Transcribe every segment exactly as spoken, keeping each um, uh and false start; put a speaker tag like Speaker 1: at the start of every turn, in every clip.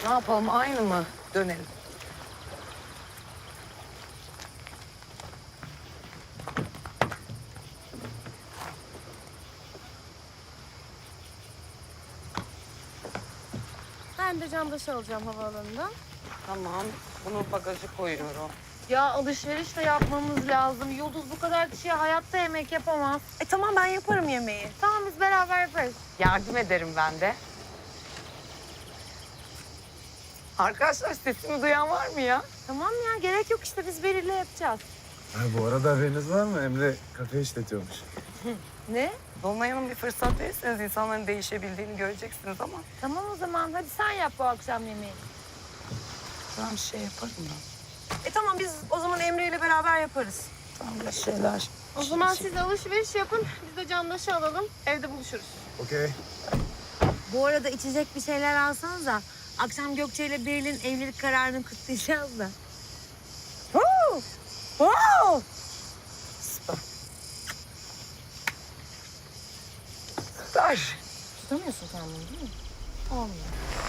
Speaker 1: Ne yapalım, aynı mı? Dönelim.
Speaker 2: Ben de Candaş'ı alacağım havaalanından.
Speaker 1: Tamam, bunu bagaja koyuyorum.
Speaker 2: Ya alışveriş de yapmamız lazım. Yıldız bu kadar kişiye hayatta yemek yapamaz.
Speaker 3: E tamam ben yaparım yemeği.
Speaker 2: Tamam biz beraber yaparız.
Speaker 1: Yardım ederim ben de. Arkadaşlar sesimi duyan var mı ya?
Speaker 2: Tamam ya gerek yok işte biz Beril'le yapacağız.
Speaker 4: Ha, bu arada haberiniz var mı? Emre kafe işletiyormuş.
Speaker 2: Ne?
Speaker 1: Dolunay Hanım bir fırsat verirseniz insanların değişebildiğini göreceksiniz ama
Speaker 2: Tamam o zaman hadi sen yap bu akşam yemeği.
Speaker 1: ben bir şey yaparım ben.
Speaker 3: E tamam biz o zaman Emre ile beraber yaparız.
Speaker 1: Tamam bir şeyler.
Speaker 2: O zaman siz alışveriş yapın. Biz de Candaş'ı alalım. Evde buluşuruz.
Speaker 4: Okey.
Speaker 5: Bu arada içecek bir şeyler alsanız da akşam Gökçe ile Beril'in evlilik kararını kutlayacağız da.
Speaker 3: Woo! Wow!
Speaker 1: Süper. Süper.
Speaker 2: Tutamıyorsun sen bunu değil mi? Olmuyor.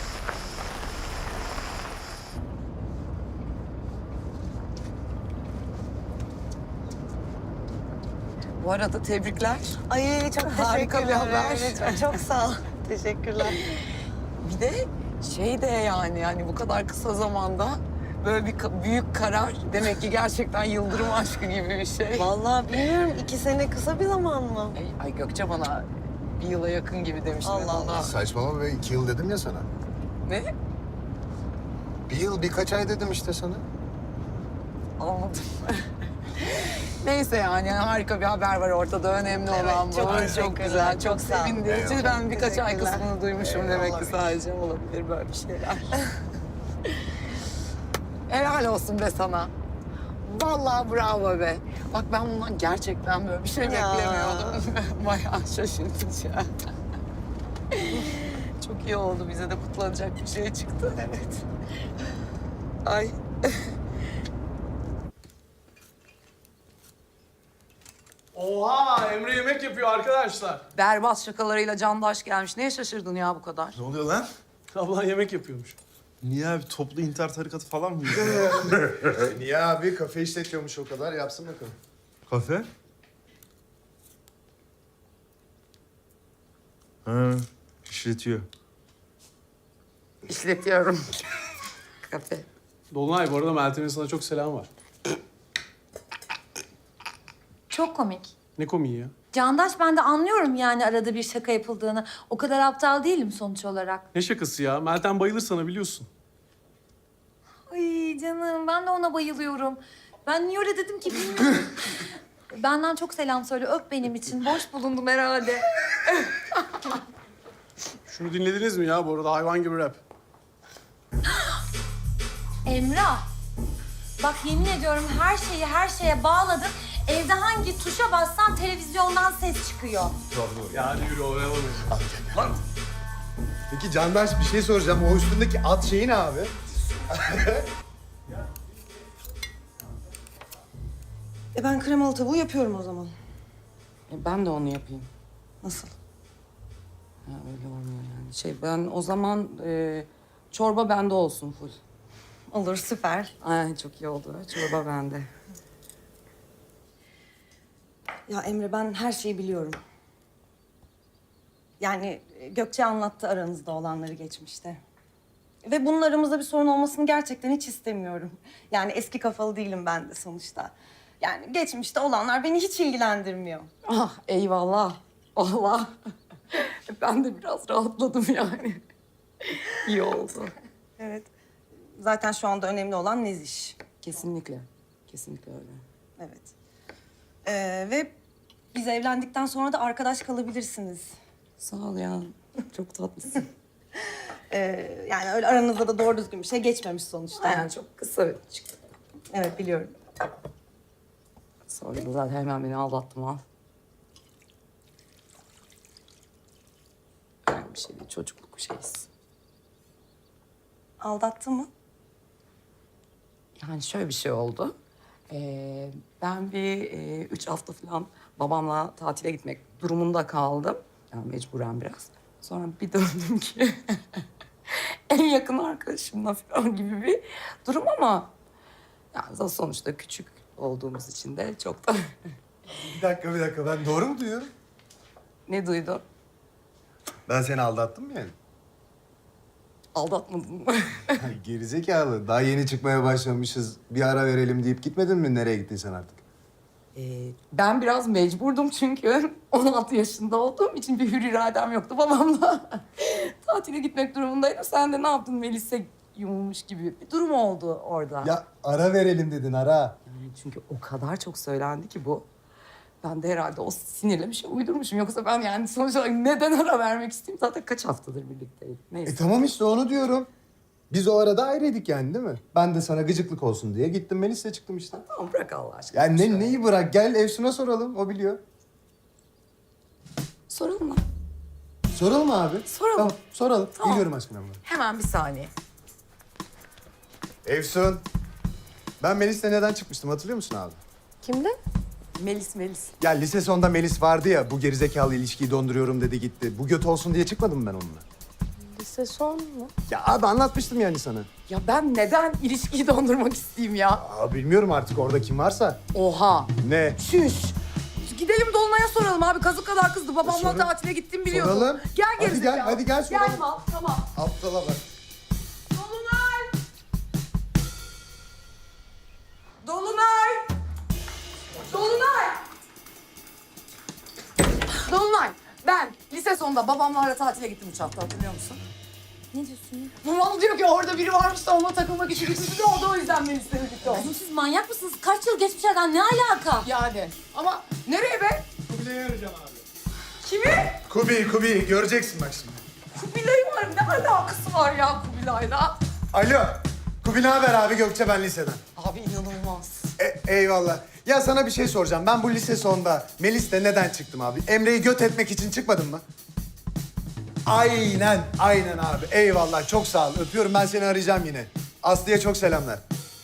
Speaker 1: Bu arada tebrikler.
Speaker 3: Ay çok
Speaker 1: Harika bir
Speaker 3: teşekkürler.
Speaker 1: haber.
Speaker 3: Evet, çok sağ ol. Teşekkürler.
Speaker 1: Bir de şey de yani yani bu kadar kısa zamanda böyle bir ka- büyük karar demek ki gerçekten yıldırım aşkı gibi bir şey.
Speaker 3: Vallahi bilmiyorum iki sene kısa bir zaman mı?
Speaker 1: Ay, ay Gökçe bana bir yıla yakın gibi demişti.
Speaker 3: Allah Allah.
Speaker 6: Saçmalama be, iki yıl dedim ya sana.
Speaker 1: Ne?
Speaker 6: Bir yıl birkaç ay dedim işte sana.
Speaker 1: Anladım. Neyse yani harika bir haber var ortada. Önemli
Speaker 3: Evet,
Speaker 1: olan bu.
Speaker 3: çok
Speaker 1: Çok,
Speaker 3: teşekkürler,
Speaker 1: güzel, çok,
Speaker 3: çok sağ ol.
Speaker 1: sevindirici.
Speaker 6: Eyvallah.
Speaker 1: Ben birkaç ay
Speaker 3: Teşekkürler.
Speaker 1: kısmını duymuşum
Speaker 6: Eyvallah.
Speaker 1: demek ki sadece. Olabilir böyle bir şeyler. Helal olsun be sana. Vallahi bravo be. Bak ben bundan gerçekten böyle bir şey
Speaker 3: Ya.
Speaker 1: beklemiyordum. Bayağı şaşırtıcı. Çok iyi oldu. Bize de kutlanacak bir şey çıktı. Evet. Ay.
Speaker 7: Oha! Emre yemek yapıyor arkadaşlar.
Speaker 1: Berbat şakalarıyla Candaş gelmiş. Neye şaşırdın ya bu kadar?
Speaker 4: Ne oluyor lan?
Speaker 7: Ablan yemek yapıyormuş.
Speaker 4: Niye abi? Toplu intihar tarikatı falan mı?
Speaker 6: Niye abi? Kafe işletiyormuş o kadar. Yapsın bakalım.
Speaker 4: Kafe? Ha, işletiyor.
Speaker 1: İşletiyorum. Kafe.
Speaker 7: Dolunay bu arada Meltem'in sana çok selam var.
Speaker 5: Çok komik.
Speaker 7: Ne komiği ya?
Speaker 5: Candaş ben de anlıyorum yani arada bir şaka yapıldığını. O kadar aptal değilim sonuç olarak.
Speaker 7: Ne şakası ya? Meltem bayılır sana biliyorsun.
Speaker 5: Ay canım ben de ona bayılıyorum. Ben niye öyle dedim ki bilmiyorum. Benden çok selam söyle öp benim için. Boş bulundum herhalde.
Speaker 7: Şunu dinlediniz mi ya bu arada? Hayvan gibi rap.
Speaker 5: Emrah. Bak yemin ediyorum her şeyi her şeye bağladım. Evde hangi tuşa bassan televizyondan ses çıkıyor.
Speaker 7: Ya hadi yürü oynayalım.
Speaker 6: Peki Candaş bir şey soracağım. O üstündeki at şeyi ne abi?
Speaker 3: E ben kremalı tavuğu yapıyorum o zaman.
Speaker 1: E, ben de onu yapayım.
Speaker 3: Nasıl?
Speaker 1: Ha, öyle olmuyor yani. Şey ben o zaman e, çorba bende olsun full.
Speaker 3: Olur süper.
Speaker 1: Ay çok iyi oldu. Çorba bende.
Speaker 3: Ya Emre ben her şeyi biliyorum. Yani e, Gökçe anlattı aranızda olanları geçmişte. Ve bunun aramızda bir sorun olmasını gerçekten hiç istemiyorum. Yani eski kafalı değilim ben de sonuçta. Yani geçmişte olanlar beni hiç ilgilendirmiyor.
Speaker 1: Ah eyvallah. Allah. Ben de biraz rahatladım yani. İyi oldu.
Speaker 3: Evet. Zaten şu anda önemli olan Neziş.
Speaker 1: Kesinlikle. Kesinlikle öyle.
Speaker 3: Evet. Ee, ve biz evlendikten sonra da arkadaş kalabilirsiniz.
Speaker 1: Sağ ol ya. Çok tatlısın.
Speaker 3: Ee, yani öyle aranızda da doğru düzgün bir şey geçmemiş sonuçta.
Speaker 1: Yani çok kısa çıktı.
Speaker 3: Evet biliyorum.
Speaker 1: Sonra da zaten hemen beni aldattım al. Yani bir şey değil. Çocukluk şeyiz.
Speaker 3: Aldattı mı?
Speaker 1: Yani şöyle bir şey oldu. Ee, ben bir e, üç hafta falan babamla tatile gitmek durumunda kaldım. Yani mecburen biraz. Sonra bir döndüm ki en yakın arkadaşımla falan gibi bir durum ama yani sonuçta küçük olduğumuz için de çok da
Speaker 6: Bir dakika bir dakika ben doğru mu duyuyorum?
Speaker 1: ne duydun?
Speaker 6: Ben seni aldattım mı yani?
Speaker 1: Aldatmadın mı?
Speaker 6: Ay, gerizekalı. Daha yeni çıkmaya başlamışız. Bir ara verelim deyip gitmedin mi? Nereye gittin sen artık?
Speaker 1: Ee, ben biraz mecburdum çünkü on altı yaşında olduğum için bir hür iradem yoktu babamla. Tatile gitmek durumundaydım. Sen de ne yaptın Melis'e yumulmuş gibi bir durum oldu orada.
Speaker 6: Ya ara verelim dedin ara.
Speaker 1: Yani çünkü o kadar çok söylendi ki bu. Ben de herhalde o sinirle bir şey uydurmuşum. Yoksa ben yani sonuç olarak neden ara vermek isteyeyim? Zaten kaç haftadır birlikteydik. Neyse.
Speaker 6: E tamam işte onu diyorum. Biz o arada ayrıydık yani değil mi? Ben de sana gıcıklık olsun diye gittim Melis'le çıktım işte.
Speaker 1: Tamam bırak Allah aşkına.
Speaker 6: Ya
Speaker 1: Şöyle.
Speaker 6: ne, neyi bırak gel Efsun'a soralım o biliyor.
Speaker 1: Soralım mı?
Speaker 6: Soralım abi.
Speaker 1: Soralım.
Speaker 6: Tamam soralım.
Speaker 1: Tamam.
Speaker 6: Geliyorum aşkına abla.
Speaker 1: Hemen bir saniye.
Speaker 6: Efsun. Ben Melis'le neden çıkmıştım hatırlıyor musun abi?
Speaker 1: Kimde? Melis, Melis.
Speaker 6: Ya lise sonunda Melis vardı ya bu gerizekalı ilişkiyi donduruyorum dedi gitti. Bu göt olsun diye çıkmadım mı ben onunla?
Speaker 1: Lise son mu?
Speaker 6: Ya abi anlatmıştım yani sana.
Speaker 1: Ya ben neden ilişkiyi dondurmak isteyeyim ya?
Speaker 6: Aa, bilmiyorum artık orada kim varsa.
Speaker 1: Oha.
Speaker 6: Ne?
Speaker 1: Şüş. Gidelim Dolunay'a soralım abi. Kazık kadar kızdı. Babamla
Speaker 6: Sorun.
Speaker 1: tatile gittim biliyorum.
Speaker 6: Soralım.
Speaker 1: Gel
Speaker 6: Hadi
Speaker 1: gerizekalı.
Speaker 6: gel, hadi gel soralım.
Speaker 1: Gel mal, tamam.
Speaker 6: Aptala bak.
Speaker 1: Dolunay! Dolunay! Dolunay! Dolunay, ben lise sonunda babamlarla tatile gittim üç hafta hatırlıyor musun?
Speaker 5: Ne diyorsun ya?
Speaker 1: Babam diyor ki orada biri varmış da onunla takılmak için gitmiş de oldu o yüzden beni istedi gitti olmuş.
Speaker 5: Oğlum siz manyak mısınız? Kaç yıl geçmiş aradan ne alaka?
Speaker 1: Yani ama nereye be?
Speaker 6: Kubilay'ı arayacağım abi.
Speaker 1: Kimi?
Speaker 6: Kubi, Kubi göreceksin bak şimdi.
Speaker 1: Kubilay var. Ne alakası var ya Kubilay'la?
Speaker 6: Alo. Kubi ne haber abi Gökçe ben liseden.
Speaker 1: Abi inanılmaz.
Speaker 6: E, eyvallah. Ya sana bir şey soracağım. Ben bu lise sonunda Melis'le neden çıktım abi? Emre'yi göt etmek için çıkmadım mı? Aynen, aynen abi. Eyvallah, çok sağ ol. Öpüyorum, ben seni arayacağım yine. Aslı'ya çok selamlar.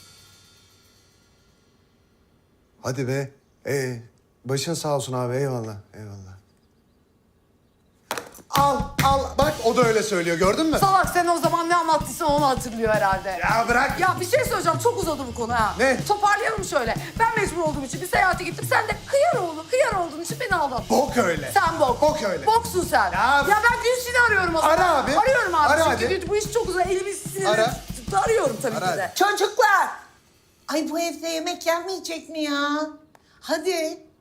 Speaker 6: Hadi be. Ee, başın sağ olsun abi, eyvallah, eyvallah. Al, al. Bak o da öyle söylüyor, gördün mü?
Speaker 1: Salak sen o zaman ne anlattıysan onu hatırlıyor herhalde.
Speaker 6: Ya bırak.
Speaker 1: Ya bir şey söyleyeceğim. Çok uzadı bu konu ha.
Speaker 6: Ne?
Speaker 1: Toparlayalım şöyle. Ben mecbur olduğum için bir seyahate gittim. Sen de kıyar oğlu, kıyar olduğun için beni aldattın.
Speaker 6: Bok öyle.
Speaker 1: Sen bok.
Speaker 6: Bok öyle.
Speaker 1: Boksun sen.
Speaker 6: Ya-
Speaker 1: Ya, ben Gülşin'i arıyorum o zaman.
Speaker 6: Ara abi.
Speaker 1: Arıyorum abi.
Speaker 6: Ara
Speaker 1: Çünkü
Speaker 6: hadi.
Speaker 1: bu iş çok uzun. Elimi sinirle
Speaker 6: Ara.
Speaker 1: arıyorum tabii
Speaker 6: Ara
Speaker 1: ki de.
Speaker 6: hadi.
Speaker 8: Çocuklar! Ay bu evde yemek yenmeyecek mi ya? Hadi.